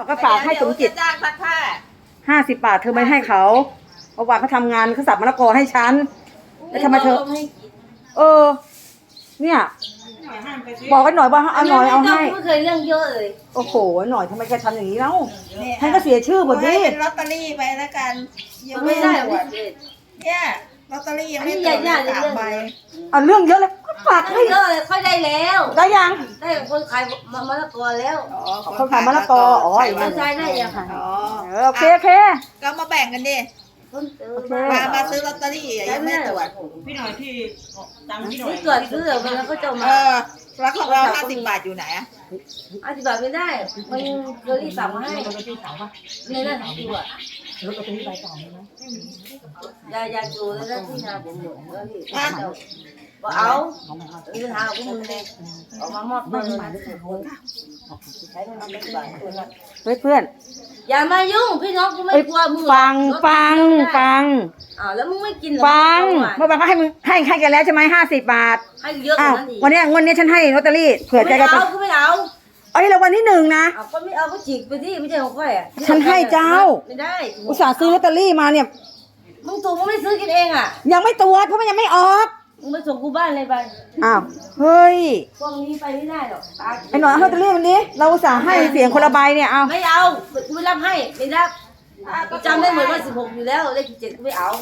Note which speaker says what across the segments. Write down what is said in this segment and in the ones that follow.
Speaker 1: เขาก็ฝากให้สมจิต
Speaker 2: จ้างซักผ้า
Speaker 1: 50 บาทเธอไม่ให้เขาเมื่อวานเขาทำงานเขาสับมะละกอให้ฉันแล้วทำไมเธอเนี่ยบอกกันหน่อยว่าเอาหน่อยเอาให้
Speaker 3: ไม่เคยเรื่องเยอะเลย
Speaker 1: โอ้โหหน่อยทำไมแกทำอย่างนี้แล้วท่านก็เสียชื่อหมดดิ
Speaker 2: เป็นลอตเตอรี่ไปแล้วกัน
Speaker 3: ยังไม่ได้หมด
Speaker 2: เนี่ยลอตเตอรี่ยังไม่ตรวจ3 ใบ
Speaker 1: เอาเรื่องเยอะเลยก็ฝากให้
Speaker 3: เยอะเลยค่อยได้แล้ว
Speaker 1: ได้ยัง
Speaker 3: ได้คนขายมะละกอแล้ว
Speaker 1: คนขายมะละกออ๋อ
Speaker 3: ใช่ได้ยังค่ะ
Speaker 1: โอเค
Speaker 2: ก็มาแบ่งกันดิมาซื้อลอตเตอรี่ยังไม่ตรวจ
Speaker 4: พี่หน่อยที่ตังพี่หน่อย
Speaker 3: ตรวจซื้อมันแล้วก็จะมา
Speaker 2: แล้วของเรา50 บาทอยู่ไหนอ่ะ
Speaker 3: 50 บาทไม่ได้มันเคยสั่งมาให้ในนั้นตัว
Speaker 1: รถเอาไปที่ใบต่อไหม
Speaker 3: ยาจูแล้วที่นาผมหมดแล้วนี่เอาหาผมมึงเลยออกมามอบตัว
Speaker 1: เฮ้ยเพื่อน
Speaker 3: อย่ามายุ่งพี่น้องกูไม่กลัวมึง
Speaker 1: ฟัง
Speaker 3: แล้วมึงไม่กิน
Speaker 1: ฟังเมื่อวานก็ให้มึงให้กันแล้วใช่ไหม50 บาท
Speaker 3: ให้เยอะกว่านั้นอีก
Speaker 1: วันนี้ฉันให้ลอตเตอรี่เผื่อใจกัน
Speaker 3: ไม่เอา
Speaker 1: เอาที่รางวัลที่1นะ
Speaker 3: ก็ไม่เอาก็จิกไปที่ไม่ใช่ของค่อยอ่ะ
Speaker 1: ฉันให้เจ้า
Speaker 3: ไม่ได้
Speaker 1: อุตส่าห์ซื้อลอตเตอรี่มาเนี่ย
Speaker 3: มึงถูกมึงไม่ซื้อกินเองอ่ะ
Speaker 1: ยังไม่ตรวจเพราะมันยังไม่ออก
Speaker 3: มึงไปส่งกูบ้านเลยไป
Speaker 1: เฮ้ย
Speaker 3: พวกนี้ไปไม่ได้หรอก
Speaker 1: ไอ้หน่อยลอตเตอรี่วันนี้เราอุตส่าห์ให้เสียงคนละใบเนี่ยเอา
Speaker 3: ไม่เอากูไม่รับให้ไม่รับจำได้เหมือนว่า16อยู่แล้วเลข7กูไม่เอา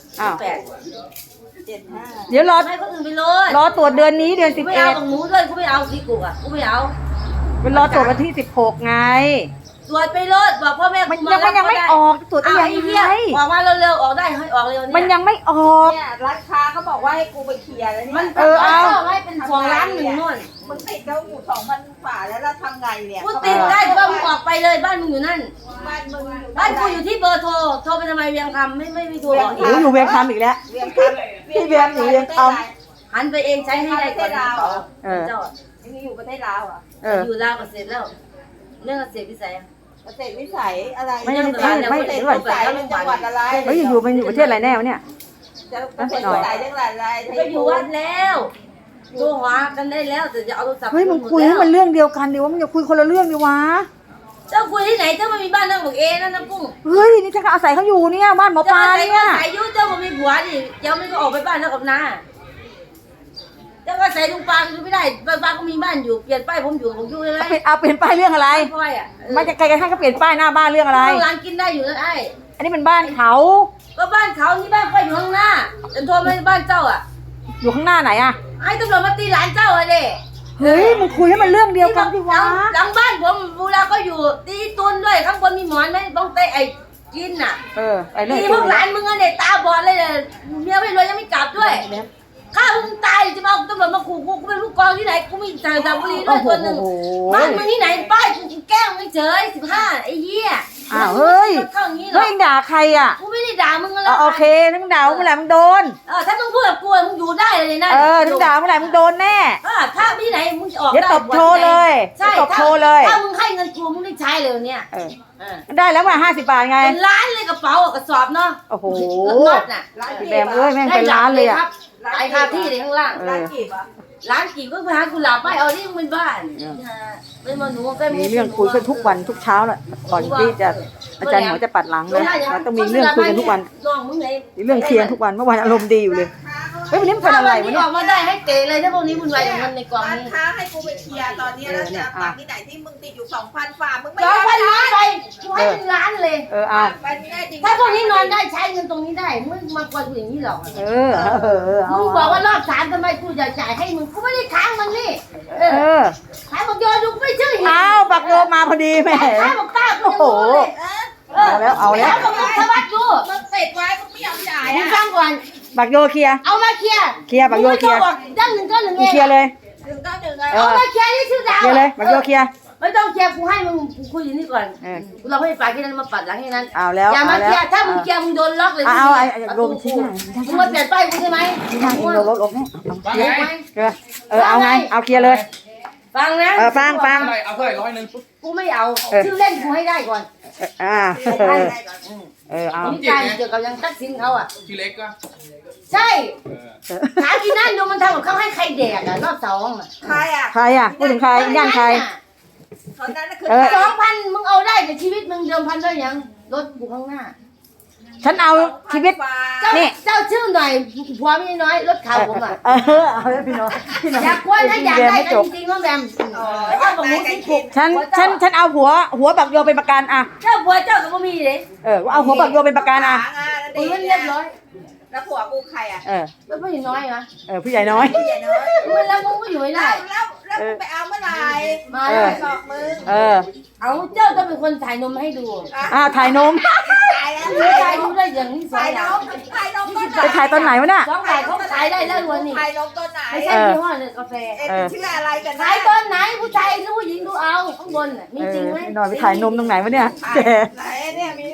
Speaker 3: 8
Speaker 1: เดี๋ยวรอ
Speaker 3: ให้คนอื่นไปเลย
Speaker 1: รอตรวจเดือนนี้เดือน11
Speaker 3: ไม่เอาของหนูด้วยกูไม่เอาสีกุกอ่ะกูไม่เอา
Speaker 1: เป็นรอตรวจวันที่16ไง
Speaker 3: ตรวจไปเลยบอกพ่อแม่
Speaker 1: มันยังไม่ออกตรวจได้ยังไง
Speaker 3: ออกมาเร็วๆออกได้ให้ออกเร็ว
Speaker 1: เนี่ยมันยังไม่ออก
Speaker 2: เนี่ยร้านค้าเขาบอกว่าให้กูไปเคลียร์แล้วเนี่ย
Speaker 3: มันเอาให้เป็น2 ล้าน1นู่น
Speaker 2: มึงติดแล้วอยู่2,000 ฝ่าแล้วเราทำไงเนี่ย
Speaker 3: กูติดได้แต่ว่ามึงออกไปเลยบ้านมึงอยู่นั่นบ้านกูอยู่ที่เบอร์โทรไปทำไมเวียงคำไม่โทร
Speaker 1: อยู่เวียงคำอีกแล้วพี่เวียงอยู่เวียงค
Speaker 3: ำหันไปเองใช้ให้ได้ก่อนเจ้า
Speaker 2: นี่อยู่ประเทศลาวอ่ะ
Speaker 3: อยู่ลาวก็เสร็จแล้วเรื่องเกษตรวิสัย
Speaker 2: เกษตรวิสัยอะไร
Speaker 1: ไม่
Speaker 2: เกษตรวิสัยเป็นจังหวัดอะไร
Speaker 1: มันอยู่ประเทศอะไรแน่วะเนี่ย
Speaker 2: เกษตรวิสัยจังหวัดอะไร
Speaker 3: ไปอยู่วัดแล้วโทรหากันได้แล้วแต่จะเอาโทรศัพท์
Speaker 1: เฮ้ยมึงคุยให้มันเรื่องเดียวกันดิว่ามึงอย่าคุยคนละเรื่องดิวะ
Speaker 3: เจ้าคุยที่ไหนเจ้าไม่มีบ้านนั่งบอกเองนั่นน้ำกุ้ง
Speaker 1: เฮ้ยนี่ฉันก็อาศัยเขาอยู่เนี่ยบ้านหมอปลาเนี่ย
Speaker 3: อาศัยยุ่เจ้ามันมีผัวดิเจ้าไม่ก็ออกไปบ้านแล้วกับน้าเจ้าก็ใส่ลุงปางอยู่ไม่ได้ปางก็มีบ้านอยู่เปลี่ยนป้ายผมอยู่ผมอยู่เลย
Speaker 1: เปลี่ยนป้ายเรื่องอะไรไม่จะใครกันให้เขาเปลี่ยนป้ายหน้าบ้านเรื่องอะไร
Speaker 3: ร้านกินได้อยู่นั่นไอ้
Speaker 1: อันนี้เป็นบ้านเขา
Speaker 3: ก็บ้านเขานี่บ้านก็อยู่ข้างหน้าจนโทรมาบ้านเจ้าอ่ะ
Speaker 1: อยู่ข้างหน้าไหนอ่ะ
Speaker 3: ไอ้ตำรวจมาตีหลานเจ้าอะเด้
Speaker 1: เฮ้ยมึงคุยให้มันเรื่องเดียวกันดิวะ
Speaker 3: หลังบ้านผมเวลาก็อยู่ตีตุนด้วยข้างบนมีหมอนไหมบ้องเตะไอ้กินน่ะ
Speaker 1: ไอ้เรื่อง
Speaker 3: ตีพวกหลานมึงอะเด็กตาบอดเลยเมียไม่รวยยังไม่กลับด้วยข้ามึงตายจะมาตำรวจมาขู่กูเป็นผู้กองที่ไหนกูมีสระบุรีด้วยตัวหนึ่งบ้านมึงที่ไหนป้ายกูแก้วไม่เฉย15ไอ้เหี้ย
Speaker 1: เฮ้ยเฮ้ยด่าใครอ่ะ
Speaker 3: กูไม่ได้ด่ามึงอะไร
Speaker 1: โอเคทั้งด่าเมื่อไหร่มึงโดน
Speaker 3: ถ้ามึงพูดกับกูมึงอยู่ได้เลยนะ
Speaker 1: ทั้งด่าเมื่อไหร่มึงโดนแน่
Speaker 3: ถ้าที่ไหนมึงจะออกได้
Speaker 1: เดี๋ยวตบโชว์เลย
Speaker 3: ใช่
Speaker 1: ตบโชว์เลย
Speaker 3: ถ้ามึงให้เงินกูมึงได้ใช้เลยเนี่ย
Speaker 1: ได้แล้วมา50 บาทไง
Speaker 3: เป็นล้านเลยกระเป๋ากระสอบเนาะ
Speaker 1: โอ้โห
Speaker 3: รถน่ะ
Speaker 1: แบมเอ้ยแม่งเป็นล้านเลยอ่ะ
Speaker 3: ไอ้คาที่เลยข้างล่างร้านกี่ก็ไปหากุหลาบไปเอาที่มึงเป็นบ้านเป็นมาหนูก็
Speaker 1: มีเรื่องคุยกันทุกวันทุกเช้าแหละก่อนที่จะอาจารย์หมอจะปัดหลังนะต้องมีเรื่องคุยกันทุกวันมีเรื่องเคลียร์ทุกวันเมื่อวานอารมณ์ดีอยู่เลยเฮ้ยวันนี้มันเป็นอะไรวะเนี่ย
Speaker 3: ออกมาได้ให้เตะเลยถ้าพวกนี้วุ่นวายอย่างนั้นในกองนี้
Speaker 2: ถ้าให้กูไปเคลียร์ตอนนี้แล้วจะฝากที่ไหนที่มึงติดอยู่2,000 ฝ่ามึงไม่
Speaker 3: 2,000 ล้านไปกูให้เป็นล้านเลย
Speaker 1: เอา
Speaker 3: ถ้าพวกนี้นอนได้ใช้เงินตรงนี้ได้มึงมากวนกูอย่างนี้หรอ
Speaker 1: มึ
Speaker 3: งบอกว่ารอบ3ทำไมกูจะจ่ายให้มึงกูไม่ได้ค้างมันนี่ขายบอกโยดูไม่เชื่อ
Speaker 1: บักโยมาพอดีแม่
Speaker 3: ขายบอกป้าโอ้
Speaker 1: โหเอาแล้ว
Speaker 3: สวัสดี
Speaker 2: มึงเสร็จไว้มึงไม่ยอมจ่าย
Speaker 3: มึงฟังก่อน
Speaker 1: บักโยเคลียร์
Speaker 3: เอามาเคลียร์
Speaker 1: บักโยเคลียร์
Speaker 3: ดั้ง191เอง
Speaker 1: เคลียร์เลย
Speaker 2: 191
Speaker 3: เอามาเคลียร์ที่ชื่อดาว
Speaker 1: เคลียร์เลยบักโยเคลียร์
Speaker 3: ไม่ต้องเคลียร์กูให้มึงคุยอยู่นี่ก่อนเราให้ฝ่ายแค่นั้นมาปัดหลังแค่นั้น
Speaker 1: เอาแล้ว
Speaker 3: อย่ามาเคลียร์ถ้ามึงเคลียร์มึงโดนล็อกเลย
Speaker 1: เอาโดนชี้
Speaker 3: มึงมาเปลี่ยนป้ายกูใช่ไหม
Speaker 1: ชี้หน้าเองโดนลบเนี่ยเอาไงเอาเคลียร์เลย
Speaker 3: ฟังนะ
Speaker 1: ฟัง
Speaker 4: เอาเท่าไหร่100
Speaker 3: กูไม่เอาชื่อเล่นกูให้ได้ก่อน
Speaker 1: เอา
Speaker 3: การเกี่ยวกับยังตัดสินเขา
Speaker 4: ทีเล็กก็
Speaker 3: ใช่ถามที่นั่นดูมันทำกับเขาให้ใครแดกรอบ2
Speaker 2: ใคร
Speaker 1: พูดถึงใครย่างใคร
Speaker 2: ตอนนั้นคือ
Speaker 3: 2,000มึงเอาได้แต่ชีมึงเดิมพันด้วยยังรถอยู่ข้างหน้า
Speaker 1: ฉันเอาชีวิต
Speaker 3: เจ้า
Speaker 1: นี่
Speaker 3: เจ้าชื่อหน่อยผัวไม่น้อยรถขาวผมอ่ะ
Speaker 1: เอาเลยพี่น้องพี่น้อง
Speaker 3: อยากกวนถ้าอยากได้กันจริงๆน้องแบมเจ้าบอกหมูสิถูก
Speaker 1: ฉันเอาหัวบักโยเป็นประกันอ่ะ
Speaker 3: เจ้าผัวเจ้ากับบ่มีเลย
Speaker 1: เอาหัวบักโยเป็นประกันอ่ะ
Speaker 3: มึงเรียบร้อย
Speaker 2: แล้วผัวกูใครอ่ะ
Speaker 3: แล้วผู้หญิงน้อยนะ
Speaker 1: ผู้ใหญ่น้อย
Speaker 2: ผู้ใหญ่น้อย
Speaker 3: มึงแล้วมึงก็อยู่ไม่ได้
Speaker 2: แล้วมึงไปเอาเมื่อไหร่
Speaker 3: มา
Speaker 2: บอกมึง
Speaker 3: เอาเจ้าต้องเป็นคนถ่ายนมให้ดู
Speaker 1: ถ่ายนม
Speaker 2: ตายแล้ว
Speaker 3: ไม่ถ่ายดูได้อย่างนี้สอ
Speaker 2: ถ่าง ย
Speaker 3: อย่า
Speaker 2: น้
Speaker 3: ง
Speaker 2: องถ่ายน้องต้นไหน
Speaker 1: ไปถ่ายตอนไหนวะเนี่ย
Speaker 3: สองถ่ายเขาขายได้แล้ววันนี้
Speaker 2: ถ่ายน้องต้นไหน
Speaker 3: ไม่ใช่ยี่ห้อเลยกาแฟ
Speaker 2: ชื่ออะไรกัน
Speaker 3: ขายตอนไหนผู้ชายหรือผู้หญิงดูเอาข้างบนมีจริงไหม
Speaker 1: พี่น้องไปถ่ายนมตรงไหนวะเนี่ยแก
Speaker 2: ไหนเนี่ยมี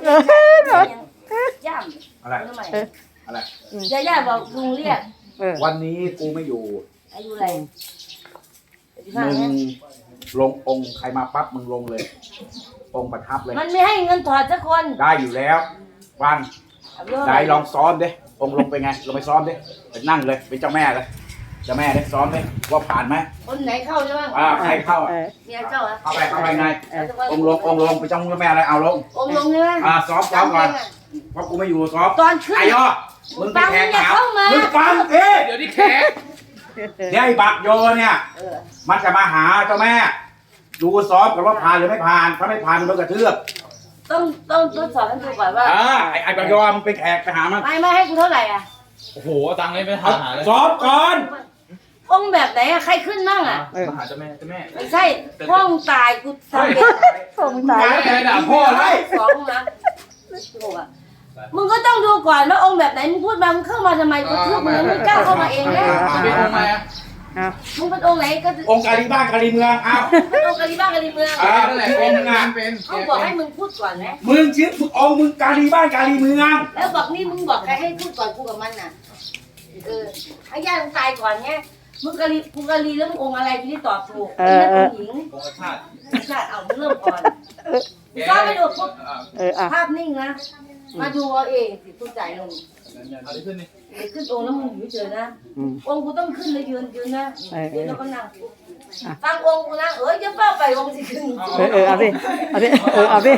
Speaker 3: ย่
Speaker 5: อะไร
Speaker 3: ำทำไม
Speaker 5: อะไร
Speaker 3: ย่าบอกลุงเรียก
Speaker 5: วันนี้กูไม่อยู่
Speaker 3: อายุอะไร
Speaker 5: มึงลงองค์ใครมาปั๊บมึงลงเลย องค์ประทับเลย
Speaker 3: มันไม่ให้เงินถอดสักคน
Speaker 5: ได้อยู่แล้ววันได้ลองซ้อมดิองค์ลงไปไงลงไปซ้อมดิไปนั่งเลยเป็นเจ้าแม่เลยเจ้าแม่ดิซ้อมดิว่าผ่านไหม
Speaker 3: คนไหนเข้าใช่ไหม
Speaker 5: ใครเข้า
Speaker 3: เมียเจ้าอะ
Speaker 5: เข้าไปไงองค์ลงไปเจ้าแม่อะไรเอาลง
Speaker 3: องค์ลงใช่ไหม
Speaker 5: ซ้อมก่อนเพราะกูไม่อยู่ซ้อม
Speaker 3: ตอนขึ้น
Speaker 5: ไอ้ย่อมึงไปแขกถามมึงฟังเอ๊ะ
Speaker 4: เดี๋ยวนี้แขก
Speaker 5: เดี๋ยวไอ้บักโยเนี่ยมันจะมาหาเจ้าแม่ ดูซ้อมกันว่าผ่านหรือไม่ผ่านถ้าไม่ผ่านมันโดนกระเทือบ
Speaker 3: ต้องทดสอบให้ดูก่อนว่า
Speaker 5: ไอ้บักโยมันเป็นแขกไปหามัน
Speaker 3: ไม่ให้กูเท่าไหร่อ่ะ
Speaker 4: โอ้โหเอาตังค์เลยไปหาเลย
Speaker 5: ซ้อมก่อน
Speaker 3: องค์แบบไหนอะใครขึ้นมั่งอ่ะ
Speaker 4: มาหาเจ้าแม่เจ้าแม่
Speaker 3: ไม่ใช่ห้องตายกูทำเอง
Speaker 1: ส่งตาย
Speaker 4: แม่ด่าพ่อเลย
Speaker 3: สองนะถูกอ่ะมึงก็ต้องดูก่อนว่าองค์แบบไหนมึงพูดมามึงเข้ามาทำไมกูเชื่อมึงไม่กล้าเข้ามาเองแล้ว
Speaker 4: เป็นองค์อะไรอ่ะ
Speaker 3: มึงเป็นองค์ไหนก็
Speaker 5: องค์กาลีบ้านกาลีเมืองอ้าว
Speaker 3: เป็นองค์กะลีบ้านกะลีเมือง
Speaker 4: นั่นแหละเป็นงานเป็น
Speaker 3: เขาบอกให้มึงพูดก่อนนะ
Speaker 5: มึงชื่อองค์มึงกาลีบ้านกาลีเมือง
Speaker 3: แล้วบอกนี่มึงบอกใครให้พูดก่อนกูกับมันน่ะให้ญาติมึงตายก่อนไงมึงกะลีกูกะลีแล้วมึงองค์อะไรที่ได้ตอบถูกเป็นผู้หญิง
Speaker 4: องค์ชาติ
Speaker 3: ชาติเอามึงเริ่มก่อนก็ไปดูปุ๊บ
Speaker 1: อ่ะ
Speaker 3: ภาพนิ่งนะมาดูเอาเองสิผู้จ่ายเงิน
Speaker 4: เอาดิขึ้นนี่
Speaker 3: เดี๋ยวขึ้นองค์แล้วมึงอยู่เฉยนะองค์กูต้องขึ้นเลยยืนนะยืนแล้วก็นั่งฟังองค์กูนะอย่าเฝ้าไปองค์สิขึ้น
Speaker 1: เอาสิเอาสิ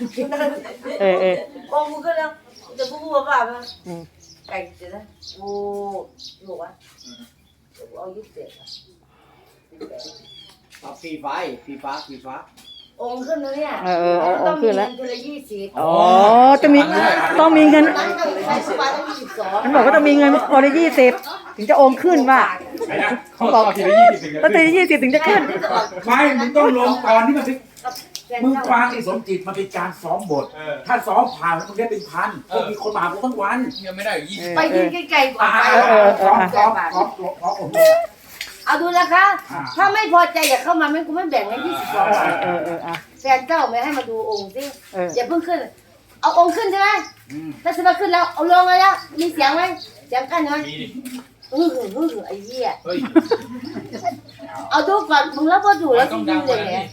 Speaker 3: องค์กูก็แล้วจะพูดว่าไหมไก่เสร็จนะโอ้หลวะเอายุบเสร็จ
Speaker 4: ฟีฟ้าฟีฟ้า
Speaker 3: องค์ขึ้นแล้วเนี่ย
Speaker 1: องค์ขึ้นแล้ว
Speaker 3: ต้องมีเงินคนละ20
Speaker 1: อ๋อต้องมีเงิน
Speaker 3: นั้นต้องใช้สปาต้อง22
Speaker 1: มันบอกว่าต้องมีเงินคนละ20ถึงจะองค์ขึ้นว่า
Speaker 5: ไอ้นะ
Speaker 4: เขาบอกทีละ20
Speaker 1: ต้องตี20ถึงจะขึ้น
Speaker 5: ไม่มึงต้องลงก่อนที่มันเป็นมึงฟังไอ้สมจิตมันเป็นการซ้อมบท ถ้าซ้อมผ่านมึงได้เป็นพันพวกมีคนมาหากูทั้งวัน
Speaker 4: ยังไม่ได้อยู่20
Speaker 3: ไปยืนไกลๆก่อนไป
Speaker 5: ซ้อม
Speaker 3: เอาดูนะคะ ถ้าไม่พอใจอย่าเข้ามาไม่กูไม่แบ่งให้22 บาทแฟนเจ้าไม่ให้มาดูองค์สิอย่าเพิ่งขึ้น เอาองค์ขึ้นใช่ไหมถ้าจะมาขึ้นแล้วเอาลงเลยแล้วมีเสียงไหมเสียงกั้นไหมไอ้เหี้ย
Speaker 4: เฮ้ย
Speaker 3: เอาดูก่อนมึงแล้วพอดูแล้วจริงๆเลยเนี่ย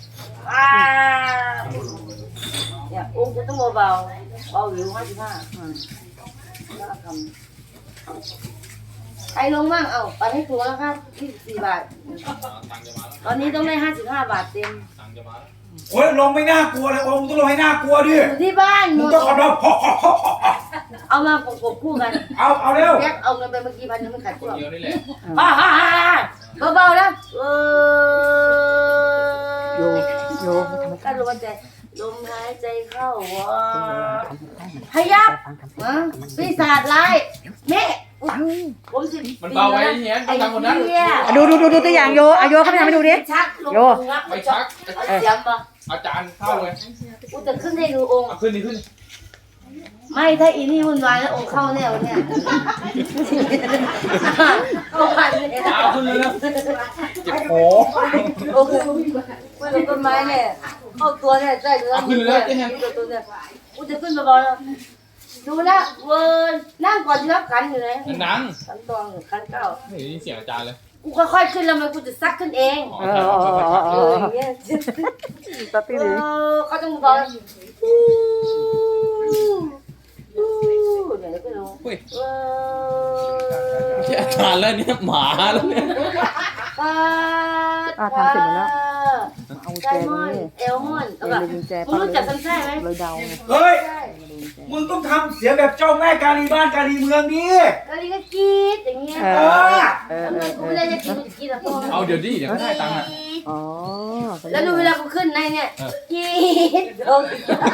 Speaker 3: เนี่ยองค์จะต้องเบาหรือ55ใครลงบ้างไปให้ครูแล้วครับ24 บาท
Speaker 4: ตังค์จะมาแล้ว
Speaker 3: ตอนนี้ต้องได้55 บาทเต็ม
Speaker 4: ตังค์จะมาแล้ว
Speaker 5: โอ้ยลงไม่น่ากลัวเลยองค์ต้องลงให้น่ากลัวดิ
Speaker 3: อยู่ที่บ้าน
Speaker 5: มึงต้องขับรถ
Speaker 3: เอามาประกบคู่กัน
Speaker 5: เอาเร็ว
Speaker 3: แยกเอาเงินไปเมื่อกี้พันยังไม่ขาด
Speaker 4: ค
Speaker 3: ตั
Speaker 4: น
Speaker 3: ว
Speaker 4: เดียวนี่แหละ
Speaker 3: เบาๆนะ
Speaker 1: โย
Speaker 3: การลมหายใจลมหายใจเข้าพยับปีศาจร้ายแม่ผมสิ
Speaker 4: มันเบาไว้เนี้ยต้องทำคนนั้น
Speaker 1: ดูตัวอย่างโยโยเขาไปทำให้ดูดิ
Speaker 3: ชักโย
Speaker 4: ไม่ชัก
Speaker 3: เสียงปะ
Speaker 4: อาจารย์เข้าเลย
Speaker 3: กูจะขึ้นให้ดูองค์
Speaker 4: ขึ้นนี่ขึ้น
Speaker 3: ไม่ถ้าอีนี่วุ่นวายแล้วองค์เข้าแน่วเนี่ยเข้าพันเนี่ย
Speaker 4: เอาขึ้นเลยนะเจ็บโผ
Speaker 3: โอ้โหไม่ลงต้นไม้เนี่ยเข้าตัวเนี่ยใช่เนื้อตัวเนี่ยกูจะขึ้นมาบอลแล้วดูนะเวิร์นนั่งก่อนที่รับขันอยู่ไหน
Speaker 4: นัง
Speaker 3: ขันตองขันเก้า
Speaker 4: ไม่ได้ยินเสียงอาจารย์เลย
Speaker 3: กูค่อยๆขึ้นแล้วมันกูจะซักขึ้นเองอย่างเงี้ย
Speaker 1: ตัดตีดี
Speaker 3: เขาต้องบอกเดี๋ยวก็ลง
Speaker 4: อาจารย์แล้วเนี่ยหมาแล้วเนี่ย
Speaker 1: ทำเสร็จหมดแล้วเอา
Speaker 3: ไส้ห้อนเอลห้อนแล้วก็มึงรู้จักซันไส้ไหม
Speaker 1: เลยเดาไง
Speaker 5: เฮ้ยมึงต้องทำเสียงแบบเจ้าแม่กาลีบ้านกาลีเมืองนี้
Speaker 3: ก็นี่ก็กรี๊ดอย่างเงี้ย กูไม่ได้จะกินกินแล้วพ่อ
Speaker 4: เอาเดี๋ยวดิเดี๋ยวก็ได้ตังค์อ่ะ
Speaker 1: อ๋อ
Speaker 3: แล้วดูเวลากูขึ้นในเนี่ยกรี๊ดลง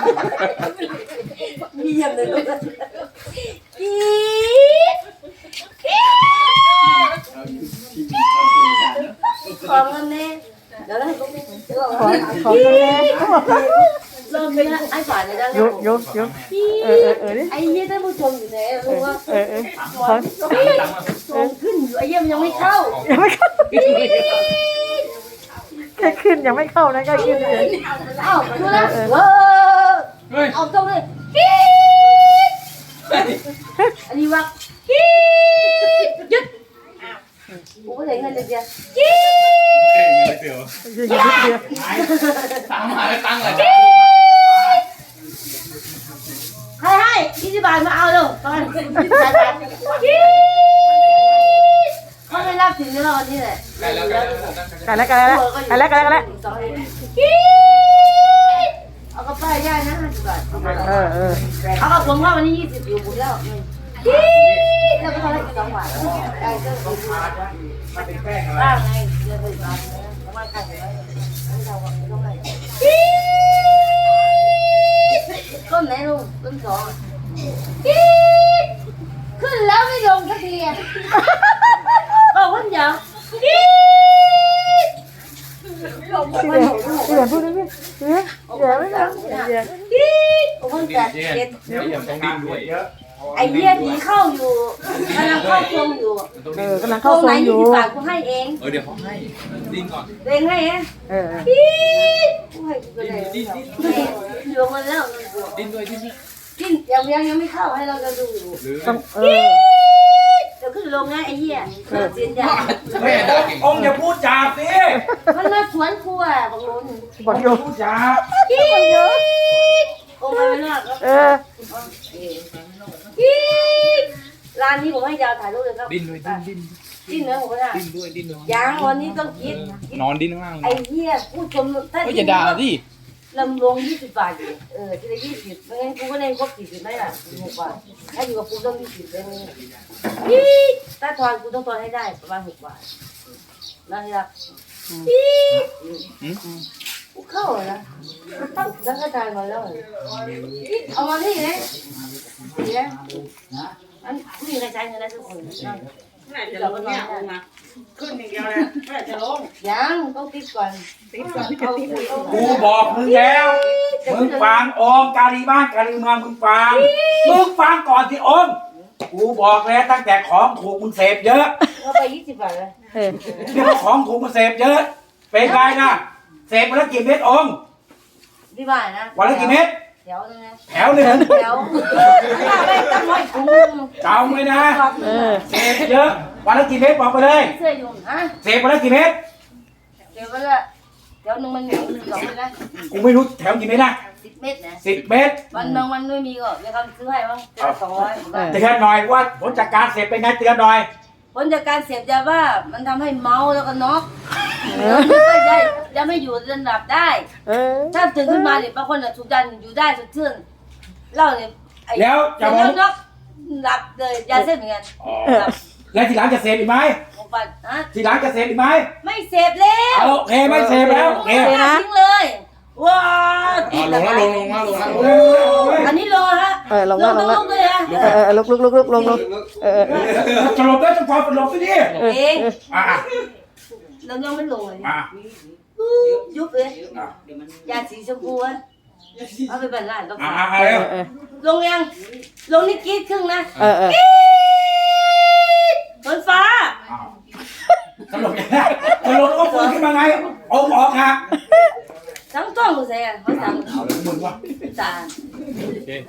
Speaker 3: มีอย่างหนึ่งกรี๊ดกรี๊ดของกันแน่เดี๋ยวให้กูเดี๋ยว
Speaker 1: ขอกันแน่
Speaker 3: เริ่มเลยนะไอ้ฝ่ายเนี่ยได้
Speaker 1: ยกดิ
Speaker 3: ไอ้เหี้ยท่านผู้ชมอยู่ไหนรู้ว่า
Speaker 1: ขอ
Speaker 3: ชมขึ้นอยู่ไอ้เหี้ยมันยังไม่เข้า
Speaker 1: ยังไม่เข้าแค่ขึ้นยังไม่เข้านะแค่ขึ้นเลย
Speaker 3: เอ้าดูนะว้า
Speaker 4: เฮ้ย
Speaker 3: เอาตรงเลยกรี๊ดอันนี้ว่ากรี๊ดหยุดกูไม่ได้เงินเลยเดียวกรี๊ด
Speaker 4: เดี๋ยว
Speaker 1: ยิงนิดเดียว
Speaker 4: ตังค์มาแล้วตังค์เลย
Speaker 3: ใครให้20 บาทมาเอาเร็วตอน20 บาทกรี๊ดเขาไม่รับถึงเราวันนี้แหละ
Speaker 4: ได้แล้ว
Speaker 1: กันแล้วก
Speaker 3: ก
Speaker 1: ี๊
Speaker 3: ๊ดเอากระเป๋าย่ายนะ50 บาทเอากับผมว่าวันนี้20อยู่บุญแล้วกรี๊ดแล้วก็ทำได้อีก2 บาทได้ก็2 บาทบ้างไงเดือนละบาทนะประมาณกันเลยไม่เท่ากับไม่ต้องไหนกรี๊ดต้นไหนลุงต้น2กรี๊ดขึ้นแล้วไม่ลงสักทีอ่ะบอกว่าอย่างกรี๊ด
Speaker 1: พี่เดี๋ยวพูดดิพี่เดี๋ยวไม่ได้เดี๋ยว
Speaker 3: กรี๊ดโอ้โหแต่เด็ด
Speaker 4: เดี๋ยวต้องดิ้นด้วย
Speaker 3: ไอ้เหี้ยผีเข้าอยู่กำลังเข้าทรงอยู่
Speaker 1: กำลัง
Speaker 3: ตร
Speaker 1: เข้าง ทร
Speaker 3: ไหน
Speaker 1: งอยู่
Speaker 3: 20 บาทกูให้เอง
Speaker 4: เดี๋ยวเขาให้ดิ้นก่อน
Speaker 3: เองให้เอง กรี๊ดกูให้กูไปไหนเหลือมาแล้ว
Speaker 4: ดิ้นด้วยดิ้น
Speaker 3: กินยังไม่เข้าให้เราจะดูอยู่
Speaker 4: หรือ
Speaker 1: ต้อง
Speaker 3: เดี๋ยวขึ้นลงนะไอ้เหี้ยเสียนใหญ่
Speaker 4: แม่ด่าเก่ง
Speaker 5: องค์อย่าพูดจาสิ
Speaker 3: มันมาสวนกูอ่ะบอกลุน
Speaker 1: บอกโย
Speaker 5: พูดจา
Speaker 3: กี๊ดโอ้ไม่รอดแล้วกี๊ดร้านนี้ผมให้ยาวถ่ายรูปเลยครับ
Speaker 4: ดิ้นด้วยดิ้น
Speaker 3: ดิ้นเนื้อผมนะ
Speaker 4: ดิ้นด้วยดิ้นด้วย
Speaker 3: ยังวันนี้ต้องคิด
Speaker 4: นอนดิ้นข้างล่าง
Speaker 3: ไอ้เหี้ยพูดชมถ้า
Speaker 4: ก็อย่าด่าดิ
Speaker 3: ลำลง20 บาทอยู่ทีละ20ไม่งั้นกูก็ได้ครบ40ไม่ล่ะ6 บาทถ้าอยู่กับกูต้อง20เลยกี๊ดถ้าทอนกูต้องทอนให้ได้ประมาณ6 บาทนะที่รักกี๊ดกูเข้านะตั้งกระจายมาแล้วเอามาที่ไหนนี่นะอันผู้หญิงกระจายเงินได้ทุกคนเราก็นอนได้
Speaker 2: ขึ้นอย่างเดียวเลยไม่จะลง
Speaker 3: ยังต้องติดก่อน
Speaker 5: กูบอกมึงแล้ว มึงฟังองค์กาลีบ้านกาลีเมืองมึงฟังก่อนที่องค์กูบอกแล้วตั้งแต่ของถูกมึงเสพเยอะ
Speaker 3: เราไป20 บาทเลย
Speaker 5: นี่ของถูกมึงเสพเยอะ เป็นไงนะเสพวันละกี่เม็ดองค์
Speaker 3: ที่บ้านนะ
Speaker 5: วันละกี่เม็ด
Speaker 3: แถวนึงนะ
Speaker 5: แถวหนึ่ง
Speaker 3: แถวถ้าไม่ต้องร้อยถุง
Speaker 5: จำไว้นะเสพเยอะวันละกี่เม็ดบอกไปเลย
Speaker 3: เสื้อยุ่งฮะ
Speaker 5: เสพวันละกี่เม็ด
Speaker 3: เดี๋ยวมันละแถวนึงมันมี2 เม็ดนะ
Speaker 5: กูไม่รู้แถวกี่เม็ดนะ
Speaker 3: 10 เม็ดนะ
Speaker 5: 10 เม็ด
Speaker 3: วันบางวันไม่มีก็เดี๋ยวเขาซื้อให้บ้าง200
Speaker 5: เตือนหน่อยว่าผลจากการเสพเป็นไงเตือนหน่อย
Speaker 3: ผลจากการเสพยาบ้ามันทำให้เมาแล้วก็น็อกแล้วก็จะไม่อยู่จนหลับได้ ถ้าตื่นขึ้นมาเนี่ยบางคนถูกดันอยู่ได้สดชื่นเล่าเนี่ยไอ้
Speaker 5: แล้วจะมอง
Speaker 3: น็อกหลับเลยยาเส้นเหมือนกันหลับ
Speaker 5: แล้วทีหลังจะเสพอีกไหม
Speaker 3: ผมปัดฮะ
Speaker 5: ทีหลังจะเสพอีกไหม
Speaker 3: ไม่เสพแล้ว
Speaker 5: โอเคไม่เสพแล้วโอเค
Speaker 3: ไม่เสพทิ้งเลยว้า
Speaker 4: ลงแล้วลงแล้วลงแล้ว
Speaker 3: อันนี้โลฮะ
Speaker 1: ลงแล้ว
Speaker 3: ต้องเลยฮะ
Speaker 1: ลุกลง
Speaker 5: สลบแล้วจะพอสลบสิดิ
Speaker 3: เอง
Speaker 5: อ่ะ
Speaker 3: เรายังไม่ลงเลย
Speaker 5: อ่ะ
Speaker 3: ยุบเลยยาสีชมพูฮะเอาไปบรรลัดก็
Speaker 5: อ่ะเร็ว
Speaker 3: ลงยังลงนี่กรีดครึ่งนะ
Speaker 1: เ
Speaker 3: บนฟ้า
Speaker 5: สลบยังไงสลบแล้วก็ฟื้นขึ้นมาไงองค์ออกฮะ
Speaker 3: ทั้งต้องกูใส่เขาสั่ง
Speaker 5: เอาเลยมึงวะ
Speaker 3: ตา